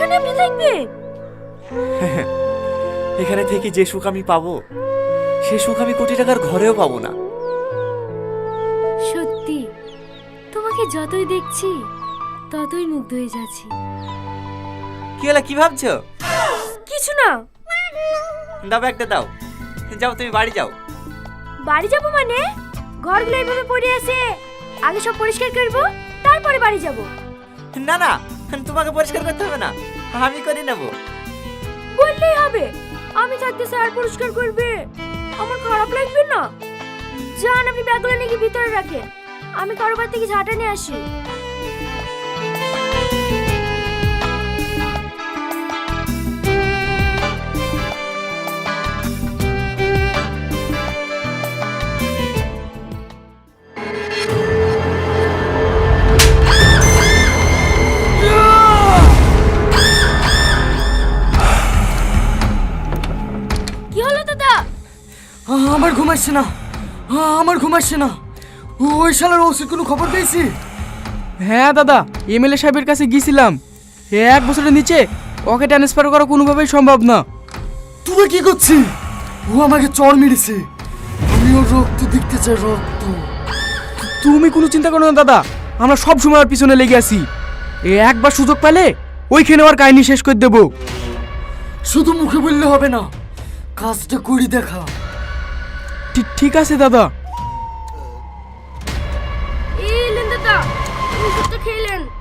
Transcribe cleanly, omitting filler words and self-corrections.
এখানে আপনি থাকবেন? এখানে থেকে যে সুখ আমি পাবো সে সুখ আমি কোটি টাকার ঘরেও পাবো না। সত্যি তোমাকে যতই দেখছি ততই মুগ্ধ হয়ে যাচ্ছি। কি হলো, কি ভাবছো? কিছু না। দাও একটা দাও, যাও তুমি বাড়ি যাও। বাড়ি যাব মানে? ঘরগুলো এইভাবে পড়ে আছে, আগে সব পরিষ্কার করব, তারপরে বাড়ি যাব। না না, তোমাকে পরিষ্কার করতে হবে না, আমি করে নেব। বললেই হবে, আমি থাকতে স্যার পরিষ্কার করবে, আমার খারাপ লাগবে না? যান, আপনি ব্যাগগুলো নিয়ে গিয়ে ভিতরে রাখেন, আমি কারো বাড়ি থেকে ঝাঁটা নিয়ে আসি। কি হলো দাদা? আমার ঘুম আসছে না, আমার ঘুম আসছে না। ওই শালার ওষুধ কোনো খবর পেয়েছি? হ্যাঁ দাদা, এমএলএ সাহেবের কাছে গিয়েছিলাম। 1 বছরের নিচে ওকে ট্রান্সফার করা কোনোভাবেই সম্ভব না। তুই কি করছিস? ও আমাকে চড় মেরেছে, আমি ওর রক্ত দেখতে চাই, রক্ত। তুমি কোনো চিন্তা করো না দাদা, আমরা সব সময় ওর পিছনে লেগে আছি। একবার সুযোগ পেলে ওইখানে ওর কাহিনী শেষ করে দেবো। শুধু মুখে বললে হবে না, কাজটা করি দেখা। ঠিক আছে দাদা। এলেন দাদা, ওষুধটা খেলেন।